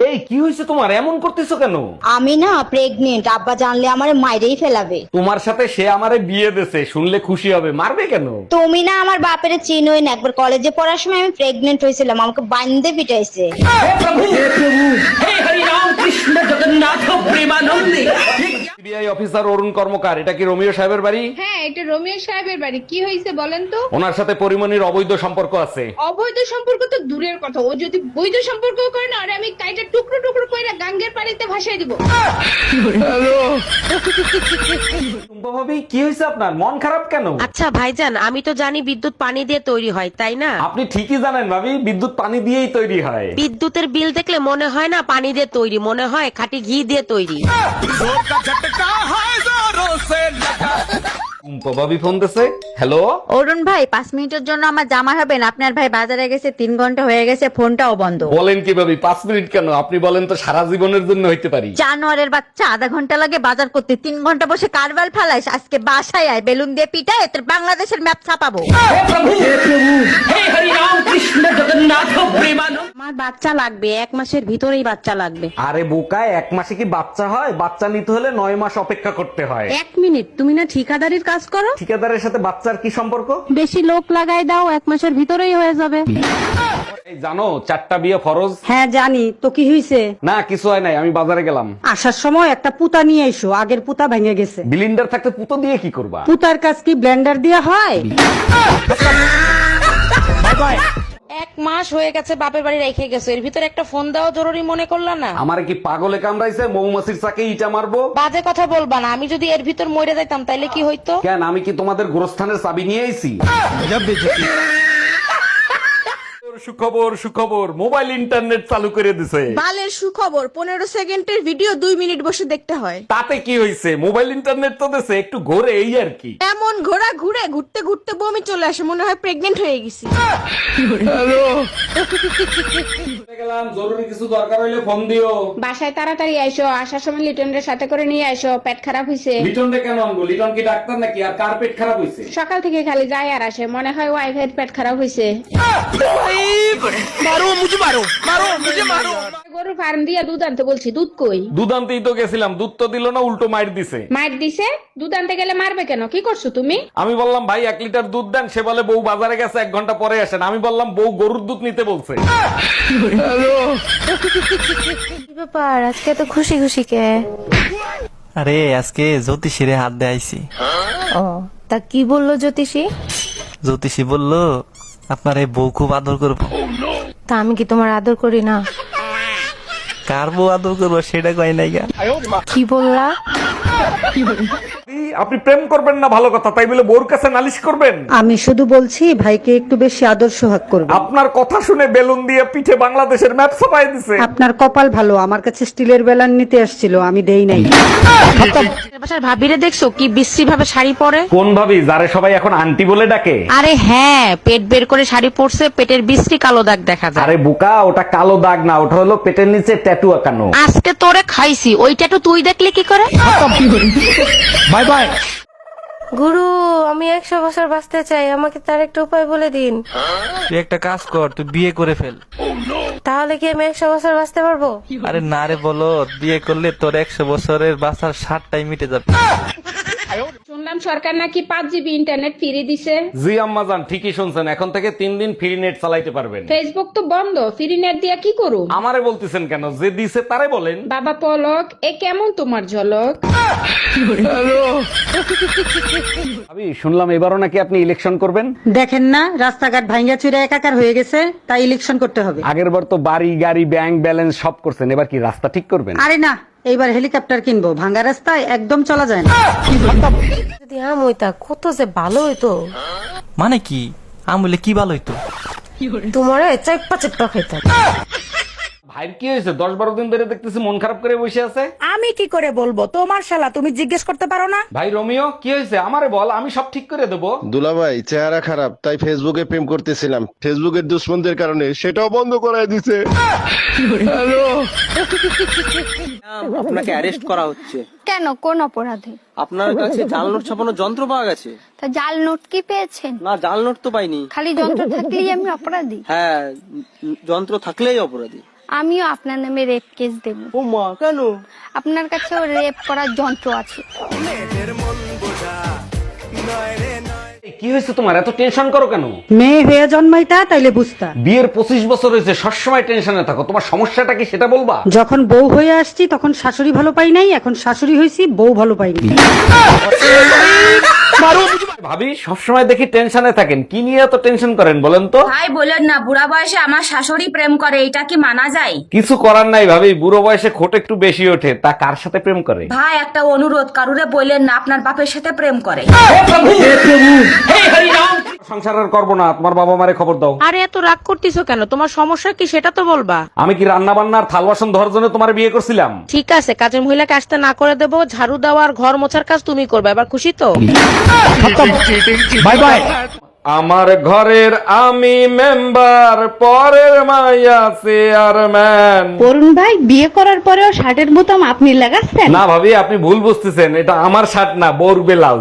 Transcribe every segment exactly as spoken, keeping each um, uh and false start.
এই কি হয়েছে তোমার, এমন করতেছো কেন? আমি না প্রেগনেন্ট, আব্বা জানলে আমারে মাইরেই ফেলাবে। তোমার সাথে সে আমারে বিয়ে দেছে, শুনলে খুশি হবে, মারবে কেন? তুমি না আমার বাপের চিনোই না, একবার কলেজে পড়ার সময় আমি প্রেগনেন্ট হয়েছিলাম, আমাকে বান্ধে পিটাইছে। সিবিআই অফিসার অরুণ কর্মকার, এটা কি রোমিও সাহেবের বাড়ি? হ্যাঁ, এটা রোমিও সাহেবের বাড়ি। কি হয়েছে বলেন তো? ওনার সাথে পরিমণির অবৈধ সম্পর্ক আছে। অবৈধ সম্পর্ক তো দূরের কথা, ও যদি বৈধ সম্পর্ক করে না, আরে আমি কাইটা টুকরো টুকরো করে গাঙ্গের পানিতে ভাসাই দিব। টুম্পা ভাবি, কি হয়েছে আপনার, মন খারাপ কেন? আচ্ছা ভাইজান, আমি তো জানি বিদ্যুৎ পানি দিয়ে তৈরি হয়, তাই না? আপনি ঠিকই জানেন ভাবি, বিদ্যুৎ পানি দিয়েই তৈরি হয়। বিদ্যুতের বিল দেখলে মনে হয় না পানি দিয়ে তৈরি, মনে হয় খাঁটি ঘি দিয়ে তৈরি। টুম্পা ভাবি ফোন দিছে। হ্যালো, অরুণ ভাই, পাঁচ মিনিটের জন্য আমার জামা হবেন, আপনার ভাই বাজারে গেছে, তিন ঘন্টা হয়ে গেছে, ফোনটাও বন্ধ। বলেন কি ভাবি, পাঁচ মিনিট কেন, আপনি বলেন তো সারা জীবনের জন্য হইতে পারি। জানোয়ারের বাচ্চা, আধা ঘন্টা লাগে বাজার করতে, তিন ঘন্টা বসে কারবার ফালাইস। আজকে বাসায় আয়, বেলুন দিয়ে পিটায় তোর বাংলাদেশের ম্যাপ ছাপাবো। আমার বাচ্চা লাগবে, এক মাসের ভিতরেই বাচ্চা লাগবে। আরে বোকায়, এক মাসে কি বাচ্চা হয়? বাচ্চা নিতে হলে নয় মাস অপেক্ষা করতে হয়। এক মিনিট, তুমি না ঠিকাদারির কাজ করো? ঠিকাদারের সাথে বাচ্চার কি সম্পর্ক? বেশি লোক লাগাই দাও, এক মাসের ভিতরেই হয়ে যাবে। এই জানো চারটা বিয়ে ফরজ? হ্যাঁ জানি তো, কি হইছে? না কিছু হয় নাই, আমি বাজারে গেলাম। আসার সময় একটা পুতা নিয়ে এসো, আগের পুতা ভেঙে গেছে। বিলিন্ডার থাকতে পুতো দিয়ে কি করবা? পুতার কাজ কি ব্লেন্ডার দিয়ে হয়? এক মাস হয়ে গেছে বাপের বাড়ি রেখে গেছো, এর ভিতরে একটা ফোন দেওয়া জরুরি মনে করলা না? আমার কি পাগলে কামড়াইছে, মৌমাছির চাকে ইটা মারবো? বাজে কথা বলবা না, আমি যদি এর ভিতর মরে যাইতাম তাইলে কি হইতো? কেন, আমি কি তোমাদের গোরস্থানের চাবি নিয়ে আইছি? সুখবর সুখবর, মোবাইল ইন্টারনেট চালু করে দিছে। বালের সুখবর, পনেরো সেকেন্ডের ভিডিও দুই মিনিট বসে দেখতে হয়। তাতে কি হয়েছে, মোবাইল ইন্টারনেট তো দিছে, একটু ঘোরে এই আর কি। এমন ঘোরা ঘুরে ঘুরতে ঘুরতে বমি চলে আসে, মনে হয় প্রেগনেন্ট হয়ে গেছি। গেলাম, জরুরি কিছু দরকার হইলে ফোন দিও। বাসায় তাড়াতাড়ি আইসো, আসার সময় লিটনের সাথে করে নিয়ে আইসো, পেট খারাপ হয়েছে। লিটন রে কেন আনবো? লিটন কি ডাক্তার নাকি? আর কার পেট খারাপ হয়েছে? সকাল থেকে খালি যায় আর আসে, মনে হয় ওয়াইফের পেট খারাপ হয়েছে। গরুর ফার্ম দিয়ে দুধ আনতে বলছি, দুধ কই? দুধ আনতেই তো গেছিলাম, দুধ তো দিল না, উল্টো মাইর দিছে। মার দিছে? দুধ আনতে গেলে মারবে কেন? কি করছো তুমি? আমি বললাম ভাই এক লিটার দুধ দেন, সে বলে বউ বাজারে গেছে, এক ঘন্টা পরে আসেন। আমি বললাম বউ গরুর দুধ নিতে বলছে। কি ব্যাপার, আজকে তো খুশি খুশি কে? আরে আজকে জ্যোতিষীরে হাত দিয়ে আইছি। ও, তা কি বললো জ্যোতিষী? জ্যোতিষী বললো আপনার এই বউ খুব আদর করবো। তা আমি কি তোমার আদর করি না? কার বউ আদর করবো সেটা কয় নাই গা। কি বললা? আপনি প্রেম করবেন না ভালো কথা, তাই বলে বউর কাছে নালিশ করবেন? আমি শুধু বলছি ভাইকে একটু বেশি আদর সোহাগ করবে। আপনার কথা শুনে বেলুন দিয়ে পিঠে বাংলাদেশের ম্যাপ ছাপাই দিছে। আপনার কপাল ভালো, আমার কাছে স্টিলের বেলান নিতে আসছিল, আমি দেই নাই। বাসার ভাবিরে দেখছো কি বিশ্রী ভাবে শাড়ি পরে? কোন ভাবি, যারে সবাই এখন আন্টি বলে ডাকে? আরে হ্যাঁ, পেট বের করে শাড়ি পরছে, পেটের বিশ্রী কালো দাগ দেখা যায়। আরে বুকা, ওটা কালো দাগ না, ওটা হলো পেটের নিচে ট্যাটু আঁকানো। আজকে তোরে খাইছি, ওইটা তো তুই দেখলে কি করে? Bye bye. গুরু, আমি একশো বছর বাঁচতে চাই, আমাকে তার একটা উপায় বলে দিন। তুই একটা কাজ কর, তুই বিয়ে করে ফেল। তাহলে কি আমি একশো বছর বাঁচতে পারবো? আরে না রে, বলো বিয়ে করলে তোর একশো বছরের বাঁচার ষাটটাই মিটে যাবে। শুনলাম সরকার নাকি পাঁচ জিবি ইন্টারনেট ফ্রি দিছে। জি আম্মা জান, ঠিকই শুনছেন, এখন থেকে তিন দিন ফ্রি নেট চালাইতে পারবেন। ফেসবুক তো বন্ধ, ফ্রি নেট দিয়া কি করু? আমারে বলতেছেন কেন, যে দিছে তারে বলেন। বাবা পলক, এ কেমন তোমার ঝলক? আমি শুনলাম এবারও নাকি আপনি ইলেকশন করবেন। দেখেন না রাস্তাঘাট ভাঙ্গা চুরে একাকার হয়ে গেছে, তাই ইলেকশন করতে হবে। আগের বার তো বাড়ি গাড়ি ব্যাংক ব্যালেন্স সব করছেন, এবার কি রাস্তা ঠিক করবেন? আরে না, এইবার হেলিকপ্টার কিনবো, ভাঙ্গা রাস্তায় একদম চলা যায় না। যদি আম হইতা কত যে ভালো হইতো। মানে কি আম বলে কি ভালো হইতো? তোমার চেপ্পা চেপ্পা খাইতাম। ভাইয়ের কি হয়েছে, দশ বারো দিন ধরে দেখতেছি মন খারাপ করে বসে আছে। আমি কি করে বলবো, তোমার শালা, তুমি জিজ্ঞেস করতে পারো না? ভাই রোমিও, কি হয়েছে আমারে বল, আমি সব ঠিক করে দেবো। দুলাভাই চেহারা খারাপ, তাই ফেসবুকে প্রেম করতেছিলাম, ফেসবুকের দুশ্মনদের কারণে সেটাও বন্ধ করাই দিছে। আপনাকে অ্যারেস্ট করা হচ্ছে। কেন, কোন অপরাধে? আপনার কাছে জাল নোট ছাপানোর যন্ত্র পাওয়া গেছে। তা জাল নোট কি পেয়েছেন? না, জাল নোট তো পাইনি। খালি যন্ত্র থাকলেই আমি অপরাধী? হ্যাঁ, উম, যন্ত্র থাকলেই অপরাধী। আমিও আপনার নামে রেপ কেস দেব। ও মা, কেন? আপনার কাছেও রেপ করার যন্ত্র আছে। কি হয়েছে তোমার, এত টেনশন করো কেন? মেয়ে হয়ে জন্মাইতা তাইলে বুঝতা। বিয়ের পঁচিশ বছর হয়েছে, সবসময় টেনশনে থাকো। তোমার সমস্যাটা কি সেটা বলবা? যখন বউ হয়ে আসছি তখন শাশুড়ি ভালো পাই নাই, এখন শাশুড়ি হয়েছি বউ ভালো পাইনি। ভাবি সবসময় দেখি টেনশনে থাকেন, কি নিয়ে এত টেনশন করেন বলেন তো? ভাই বলেন না, বুড়া বয়সে আমার শাশুড়ি প্রেম করে, এটা কি মানা যায়? কিছু করার নাই ভাবি, বুড়ো বয়সে খোট একটু বেশি ওঠে। তা কার সাথে প্রেম করে? ভাই একটা অনুরোধ, কারুরে বললেন না আপনার বাপের সাথে প্রেম করে। সংসার আর করবো না, তোমার বাবা মারে খবর দাও। আরে এত রাগ করতেছো কেন? তোমার সমস্যা কি সেটা তো বলবা। আমি কি রান্না বান্নার থাল বাসন ধরার জন্য তোমার বিয়ে করছিলাম? ঠিক আছে, কাজের মহিলাকে আসতে না করে দেবো, ঝাড়ু দেওয়া আর ঘর মোছার কাজ তুমি করবে। এবার খুশি তো? Bye bye. আমার ঘরের আমি মেম্বার, পরের মাইয়া চেয়ারম্যান। অরুণ ভাই বিয়ে করার পরেও শার্টের বোতাম আপনি লাগাচ্ছেন? না ভাবি, আপনি ভুল বুঝতেছেন, এটা আমার শার্ট না, বোর ব্লাউজ।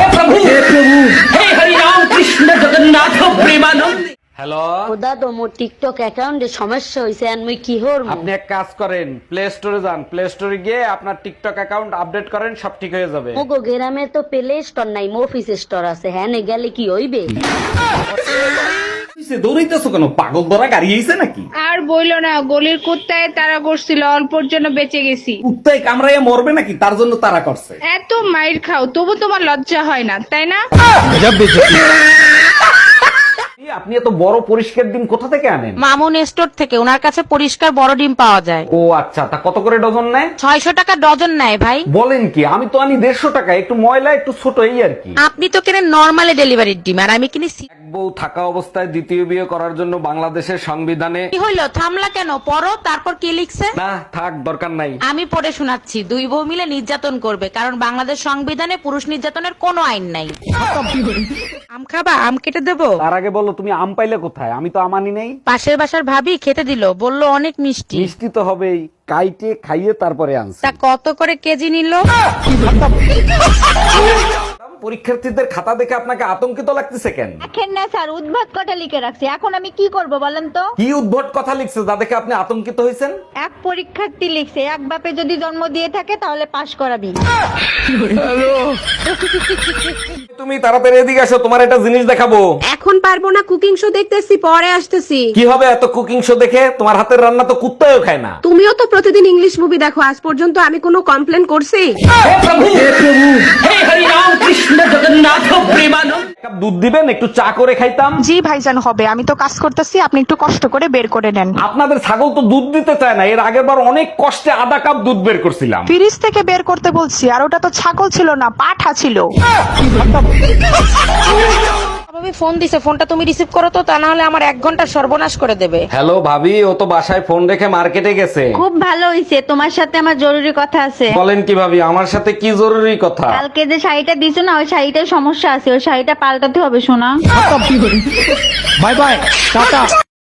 হ্যালো দাদা মোর টিকটক অ্যাকাউন্টে সমস্যা হইছে, আর মুই কি হর? আপনি এক কাজ করেন, প্লে স্টোরে যান, প্লে স্টোরে গিয়ে আপনার টিকটক অ্যাকাউন্ট আপডেট করেন, সব ঠিক হয়ে যাবে। মোগো গ্রামে তো প্লে স্টোর নাই, অফিস স্টোর আছে। হ্যাঁ নে গেলে কি হইবে? দৌড়াইতেছো কেন? পাগল ধরা গাড়ি হয়েছে নাকি? আর বইলো না, গলির কুত্তায় তারা করছিল, অল্পর জন্য বেঁচে গেছি। কুত্তায় কামড়াইয়া মরবে নাকি, তার জন্য তারা করছে। এত মাইর খাও তবু তোমার লজ্জা হয় না, তাই না? আপনি এত বড় পরিষ্কার ডিম কোথা থেকে আনেন? মামুন স্টোর থেকে, ওনার কাছে পরিষ্কার বড় ডিম পাওয়া যায়। ও আচ্ছা, তা কত করে ডজন নেয়? ছয়শো টাকা ডজন নেয় ভাই। বলেন কি? আমি তো আনি দেড়শো টাকা, একটু ময়লা একটু ছোট, এই আর কি। আপনি তো কেনেন নরমালি ডেলিভারির ডিম, আর আমি কিনি সি- এক বউ থাকা অবস্থায় দ্বিতীয় বিয়ে করার জন্য বাংলাদেশের সংবিধানে। কি হইলো, থামলা কেন? পড়ো, তারপর কি লিখছে? না থাক, দরকার নাই। আমি পড়ে শোনাচ্ছি। দুই বউ মিলে নির্যাতন করবে, কারণ বাংলাদেশ সংবিধানে পুরুষ নির্যাতনের কোনো আইন নাই। আম খাবা? আম কেটে দেবো? তার আগে বলো, তুমি আম পাইলে কোথায়? আমি তো আমানি নেই। পাশের বাসার ভাবি খেতে দিল, বললো অনেক মিষ্টি। মিষ্টি তো হবেই, কাইটে খাইয়ে তারপরে আনছি। তা কত করে কেজি নিল? পরীক্ষার্থীদের খাতা দেখে আপনাকে আতঙ্কিত লাগতেছে কেন? দেখেন না স্যার, উদ্ভাত কটা লিখে রাখছি, এখন আমি কি করব বলেন তো? কি উদ্ভট কথা লিখছে যা দেখে আপনি আতঙ্কিত হয়েছেন? এক পরীক্ষার্থী লিখছে, এক বাপে যদি জন্ম দিয়ে থাকে তাহলে পাশ করাবি। তুমি তাড়াতাড়ি এদিকে আসো, তোমার একটা জিনিস দেখাবো। এখন পারবো না, কুকিং শো দেখতেছি, পরে আসতেছি। কি হবে এত কুকিং শো দেখে? তোমার হাতের রান্না তো কুত্তাও খায় না। তুমিও তো প্রতিদিন ইংলিশ মুভি দেখো, আজ পর্যন্ত আমি কোনো কমপ্লেন করছি? কাপ দুধ দিবেন, একটু চা করে খাইতাম। জি ভাইজান হবে, আমি তো কাজ করতেছি, আপনি একটু কষ্ট করে বের করে নেন। আপনাদের ছাগল তো দুধ দিতে চায় না, এর আগের বার অনেক কষ্টে আধা কাপ দুধ বের করছিলাম। ফ্রিজ থেকে বের করতে বলছি, আর ওটা তো ছাগল ছিল না, পাঠা ছিল। ভাবি ফোন দিছে, ফোনটা তুমি রিসিভ করো তো, তা না হলে আমার এক ঘন্টা সর্বনাশ করে দেবে। হ্যালো ভাবি, ও তো বাসায় ফোন রেখে মার্কেটে গেছে। খুব ভালো হইছে, তোমার সাথে আমার জরুরি কথা আছে। বলেন কি ভাবি, আমার সাথে কি জরুরি কথা? কালকে যে শাড়িটা দিছো না, ওই শাড়িটার সমস্যা আছে, ওই শাড়িটা পাল্টাতে হবে শোনা। Bye bye, tata.